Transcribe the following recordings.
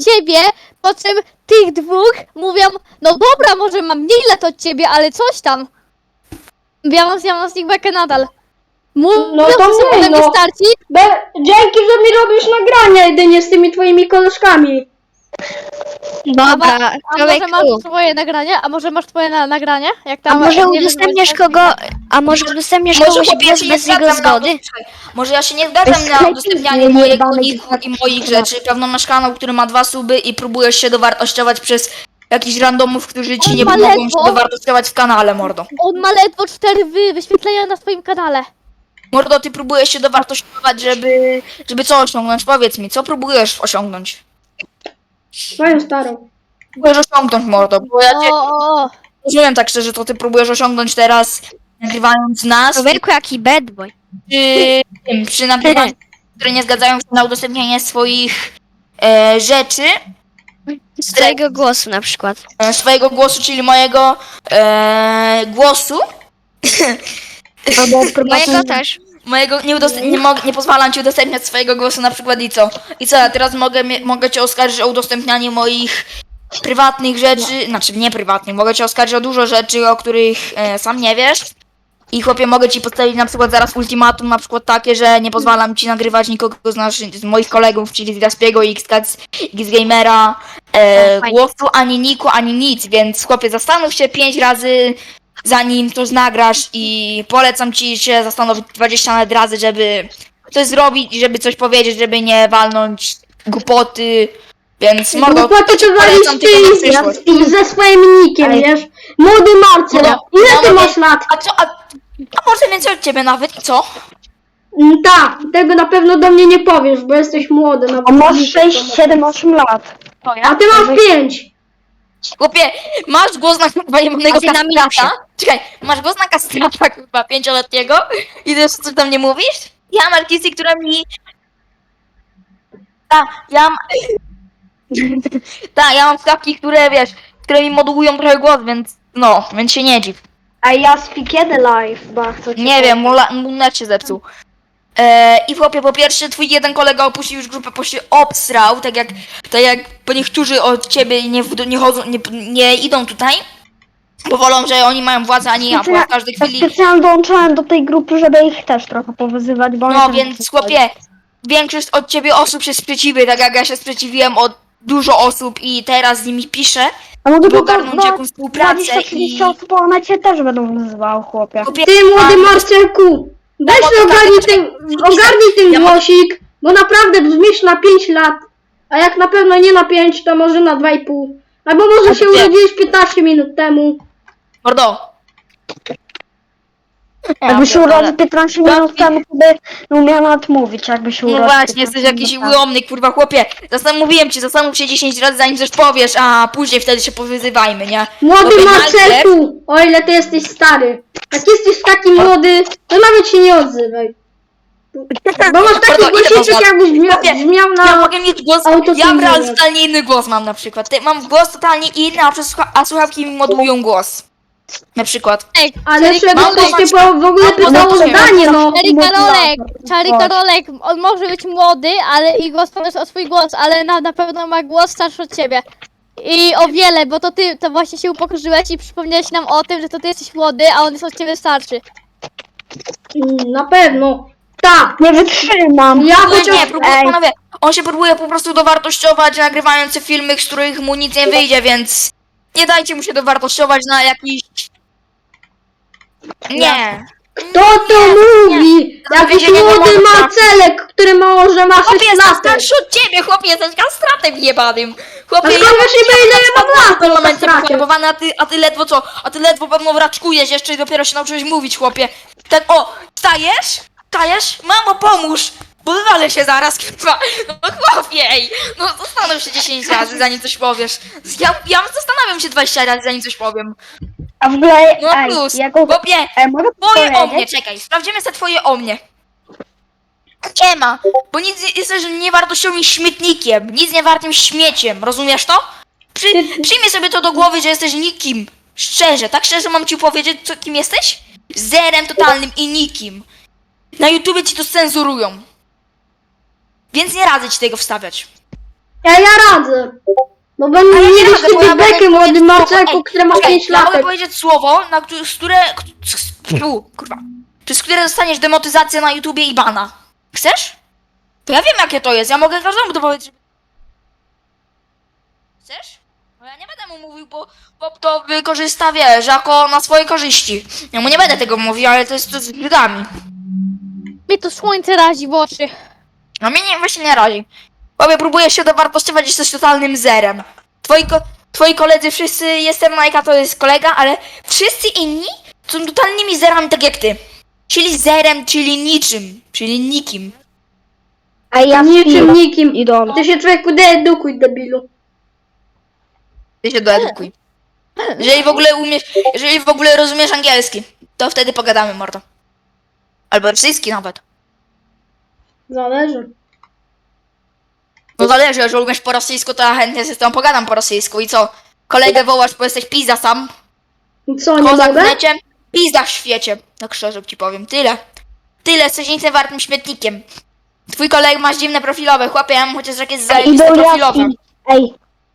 ciebie, po czym tych dwóch mówią, no dobra, może mam mniej lat od ciebie, ale coś tam. Ja mam z nich bekę nadal. Mówią, No to że są mniej, ode mnie no. starci. Dzięki, że mi robisz nagrania jedynie z tymi twoimi koleżkami. Dobra, A może człowieku. masz swoje nagranie? A może masz twoje nagranie? Jak A tam może nie udostępniasz wyzwałeś kogo, a może udostępniasz Może kogoś chłopie, ja głos się nie bez jego zgadzam na zgody? może ja się nie zgadzam na udostępnianie mojego niku i moich rzeczy. Pewno masz kanał, który ma 2 suby i próbujesz się dowartościować przez jakichś randomów, którzy ci On nie ma pomogą ledwo. się dowartościować w kanale, mordo. On ma ledwo 4 wyświetlenia na swoim kanale. Mordo, ty próbujesz się dowartościować, żeby co osiągnąć? Powiedz mi, co próbujesz osiągnąć? Moją starą. Próbujesz osiągnąć, mordo, bo ja cię O. rozumiem tak szczerze, to ty próbujesz osiągnąć teraz, nagrywając nas, Człowieku, jaki bad boy. przy nagrywaniu, które nie zgadzają się na udostępnianie swoich rzeczy, Swojego głosu na przykład. swojego głosu, czyli mojego głosu. Mojego też. Mojego nie pozwalam ci udostępniać swojego głosu na przykład i co? I co, ja teraz mogę cię oskarżyć o udostępnianie moich prywatnych rzeczy, znaczy nie prywatnych, mogę cię oskarżyć o dużo rzeczy, o których sam nie wiesz. I chłopie, mogę ci postawić na przykład zaraz ultimatum, na przykład takie, że nie pozwalam ci nagrywać nikogo z moich kolegów, czyli z Gaspiego, Xgamera, fajnie. głosu, ani niku, ani nic, więc chłopie, zastanów się 5 razy, zanim coś nagrasz i polecam ci się zastanowić 20 nawet razy, żeby coś zrobić i żeby coś powiedzieć, żeby nie walnąć głupoty, więc mordo, Głupoty to walisz polecam tylko na przyszłość. ty ze swoim nickiem, wiesz? Młody Marcel, No, ile ty no, masz lat? A może więcej od ciebie nawet i co? Tak, tego na pewno do mnie nie powiesz, bo jesteś młody. No, A masz 6, 7, 8 lat. A ty masz 5. Chłopie, masz głos na chyba jebanego A ty na kastrata? Czekaj, masz głos na kastrata chyba 5-letniego? I ty jeszcze coś tam nie mówisz? Ja mam artysty, która mi... Ja mam skawki, które wiesz, które mi modułują trochę głos, więc się nie dziw. A ja kiedy live bardzo cię Nie wiem, mój net się zepsuł. I chłopie, po pierwsze, twój jeden kolega opuścił już grupę, bo się obsrał, tak jak bo niektórzy od ciebie nie chodzą, nie idą tutaj, bo wolą, że oni mają władzę, a nie ja, bo ja w każdej Ja chwili... specjalnie dołączyłem do tej grupy, żeby ich też trochę powyzywać, bo oni No tam więc coś chłopie, większość od ciebie osób się sprzeciwi, tak jak ja się sprzeciwiłem od dużo osób i teraz z nimi piszę, A mogę żeby tylko ogarnąć jakąś współpracę 20-30 osób, a one cię też będą wyzywały, chłopie. Chłopie, Ty młody Marcelku, weź ogarnij ten głosik, bo naprawdę brzmisz na 5 lat, a jak na pewno nie na 5, to może na 2,5. Albo może się nie. urodziłeś 15 minut temu. mordo. Jakby się pierdolę. urodził 15 minut temu, to by nie umiał nawet mówić, jakby się No urodził. właśnie, jesteś 15 jakiś minut temu. ułomny, kurwa chłopie. Mówiłem ci, zastanów się 10 razy zanim coś powiesz, a później wtedy się powyzywajmy, nie? Młody Chłopie, Marcelku, o ile ty jesteś stary. Jak jesteś taki młody, to nawet się nie odzywaj. Bo masz taki Mordo, idę głosiczek, poza- jakbyś Chłopie, brzmiał Ja na... mogę mieć głos, autocenzurę. ja totalnie inny głos mam na przykład. Mam głos totalnie inny, a słuchawki mi modułują głos. Na przykład. Ej, Ale Czary- żeby mam ktoś głos- cię w ogóle mam pytało głos- zdanie, no. Czary Karolek, on może być młody, ale i głos powiesz o swój głos, ale na pewno ma głos starszy od ciebie. I o wiele, bo to ty to właśnie się upokorzyłeś i przypomniałeś nam o tym, że to ty jesteś młody, a on jest od ciebie starszy. Na pewno. Tak. Nie wytrzymam. Ja Nie, chociaż... panowie, on się próbuje po prostu dowartościować, nagrywając te filmy, z których mu nic nie wyjdzie, więc nie dajcie mu się dowartościować na jakiś... Nie. Kto to mówi? Jakiś Wiecie, młody nie mogę- Marcelek, który może ma 6 Chłopie, jestem lat. starszy od ciebie, chłopie, jesteś kastratem jebanym. Chłopie, A skąd wiesz, ile ja mam lat, w tym momencie kastracie? pochorowany, a ty ledwo co? A ty ledwo pewno raczkujesz jeszcze i dopiero się nauczyłeś mówić, chłopie. Tak, o, wstajesz? Wstajesz? Mamo, pomóż! Bo wywalę się zaraz, kurwa. No chłopie, ej. No zastanów się 10 razy, zanim coś powiesz. Ja zastanawiam się 20 razy, zanim coś powiem. A w ogóle, No plus, jako... chłopie, mogę twoje o powiedzieć? mnie, czekaj, sprawdzimy sobie twoje o mnie. Nie ma, bo nic jesteś niewartościowym śmietnikiem, nic niewartym śmieciem, rozumiesz to? Przyjmij sobie to do głowy, że jesteś nikim. Szczerze, tak szczerze mam ci powiedzieć, kim jesteś? Zerem totalnym i nikim. Na YouTubie ci to cenzurują. Więc nie radzę ci tego wstawiać. Ja radzę. Bo będę Ale nie mieli radzę, bo ja mogę bekę młody powiedzieć Marceku, słowo. który ma Czekaj, 5 ja mogę lat. powiedzieć słowo, z kurwa. Przez które dostaniesz demotyzację na YouTubie i bana. Chcesz? To ja wiem jakie to jest, ja mogę każdemu to powiedzieć. Chcesz? No ja nie będę mu mówił, bo Bob to wykorzysta, wiesz, jako na swoje korzyści. Ja mu nie będę tego mówił, ale to jest to z brzydami. Mnie to słońce razi w oczy. No mnie właśnie nie razi. Bobie, próbujesz się dowartościować, jesteś totalnym zerem. Twoi koledzy wszyscy, jestem Majka, to jest kolega, ale wszyscy inni są totalnymi zerami, tak jak ty. Czyli zerem, czyli niczym, czyli nikim. Ej, ja Niczym nikim. idol. Ty się człowieku deedukuj, debilu. Ty się doedukuj. Jeżeli w ogóle rozumiesz angielski, to wtedy pogadamy, mordo. Albo rosyjski nawet. Zależy. No zależy, jeżeli umiesz po rosyjsku, to ja chętnie z tobą pogadam po rosyjsku. I co? Kolegę wołasz, bo jesteś pizza sam. I co, nie Kozak w mogę? necie, pizda w świecie. Tak szczerze ci powiem. Tyle. Tyle, jesteś nic nie wartym śmietnikiem. Twój kolega ma dziwne profilowe, chłopie, ja mam chociaż jakieś zajebiste Idol profilowe. Jaski. Ej.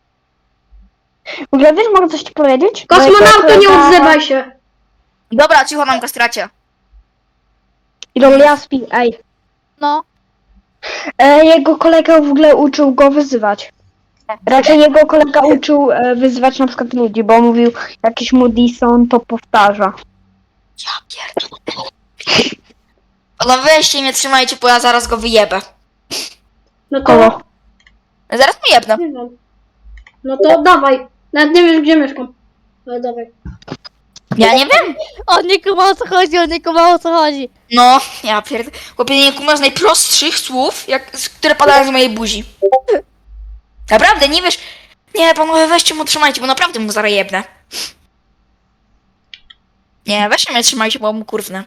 W ogóle wiesz, mogę coś ci powiedzieć? Kosmonauto, nie Bo odzywaj się. Dobra, cicho nam kastracie. Idol Jaspi, ej. No. Jego kolega w ogóle uczył go wyzywać. Raczej jego kolega uczył wyzywać na przykład ludzi, bo mówił jakiś Moodison to powtarza. Ja pierdolę. No weźcie mnie, trzymajcie, bo ja zaraz go wyjebę. No to... Koło. Zaraz mu jebnę. Nie wiem. No to dawaj. Nawet nie wiesz, gdzie mieszkam. Ale dawaj. Ja nie wiem. On nie kuma o co chodzi, on nie kuma o co chodzi. No, ja pierdolę. Chłopie, nie kumasz najprostszych słów, które padają z mojej buzi. Naprawdę, nie wiesz... Nie, panowie, weźcie mu, trzymajcie, bo naprawdę mu zaraz jebnę. Nie, weźcie mnie, trzymajcie, bo mu kurwnę.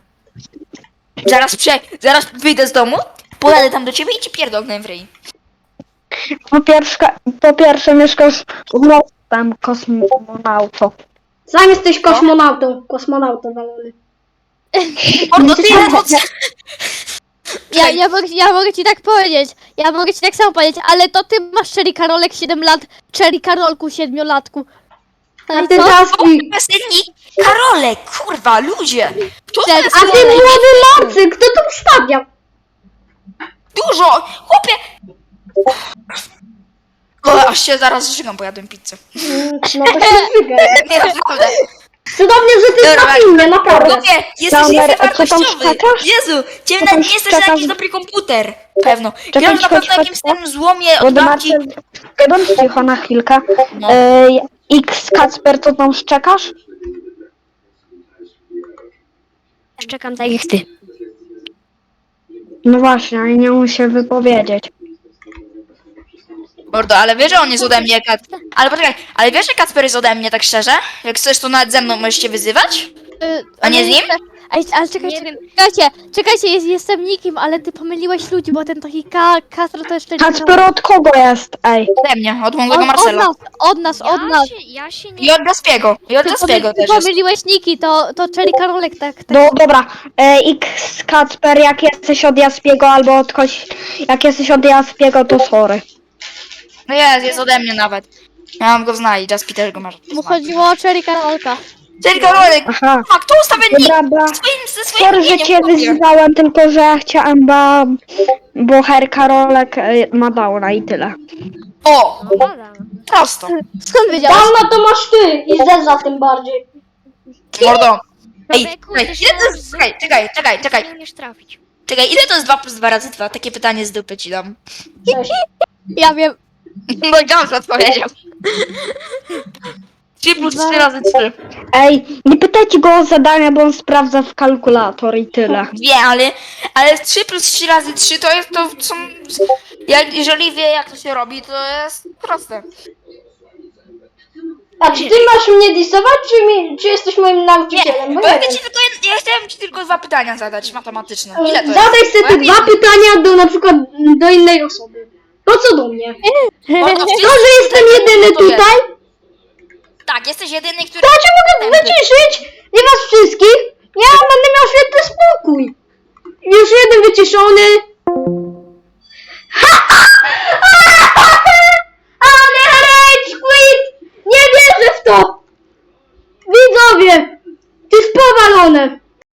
Zaraz wyjdę z domu, pojadę tam do ciebie i ci pierdolnę w ryj. Po pierwsze mieszkasz w tam kosmonauto. Sam jesteś kosmonautą. Kosmonautą walony. Mordo, ty Ja mogę ci tak powiedzieć. Ja mogę ci tak samo powiedzieć, ale to ty masz Cherry Karolek 7 lat, Cherry Karolku 7-latku. No A i ty co? Jaspi. Piosennik Karolek, kurwa, ludzie. Kto to Cześć. jest A ty młody Marcy, kto to ustawia? dużo, chłopie. O, aż się zaraz zżygam, bo jadłem pizzę. No to się zwykle. Nie, naprawdę. Cudownie, że ty Dobra, na filmie, naprawdę. Chłopie, jesteś Sander, a co tam niewartościowy. szczekasz? Jezu, ciebie Co tam nawet nie jesteś na szczekasz? jakiś dobry komputer. Pewno. Czekaj, Grasz na cicho, pewno jakimś cicho. tym złomie od Wody babci. Marcel, bądź cicho na chwilkę. No. X Kacper, co tam szczekasz? Czekam tak jak ty. No właśnie, ale nie muszę się wypowiedzieć. Mordo, ale wiesz, że on jest ode mnie, Ale poczekaj, ale wiesz, że Kacper jest ode mnie, tak szczerze? Jak chcesz, to nawet ze mną możesz się wyzywać? A nie z nim? Ej, ale czekajcie, jestem nikim, ale ty pomyliłeś ludzi, bo ten taki Kastro to jeszcze Kacper od kogo jest? Ej. Ode mnie, od mojego Marcela. Od nas. Ja się I od Gaspiego. I od Gaspiego Ty też jest. pomyliłeś niki, to Cherry Karolek tak. No dobra, X Kacper, jak jesteś od Jaspiego albo od kogoś, jak jesteś od Jaspiego, to sorry. No jest ode mnie nawet. Ja mam go znać, Jaspi też go masz. Mu chodziło o Cherry Karolka. Cześć, Karolek! Aha. A kto ustawia nick? Dobra, Ze swoim sorry, że imieniem, cię chłopie. wyzywałem, tylko że ja chciałem, bo Herr Karolek ma downa i tyle. O! Prosto. Skąd wiedziałeś? Dawno to masz ty i Zeza tym bardziej. Mordo. Ej, Człowieku, czekaj, ty się ile to jest... Czekaj. nie umiesz trafić. Czekaj, ile to jest 2 plus 2 razy 2? Takie pytanie z dupy ci dam. Cześć. Ja wiem. No i Jones odpowiedział. 3 plus 3 razy 3. Ej, nie pytajcie go o zadania, bo on sprawdza w kalkulator i tyle. Wie, ale 3 plus 3 razy 3 to jest to są... Jeżeli wie jak to się robi, to jest proste. A czy ty masz mnie disować, czy jesteś moim nauczycielem? Bo Bo ja, nie wiem. ja chciałem ci tylko 2 pytania zadać matematyczne. Ile to jest? Zadaj sobie Bo te ja dwa wiem, pytania do na przykład do innej osoby. Po co do mnie? Mordo, To, że jestem jedyny to wiesz. tutaj, Tak, jesteś jedyny, który... to cię mogę wyciszyć? Nie was wszystkich? Ja będę miał świetny spokój. Już jeden wyciszony. tobie! Ty jest powalone!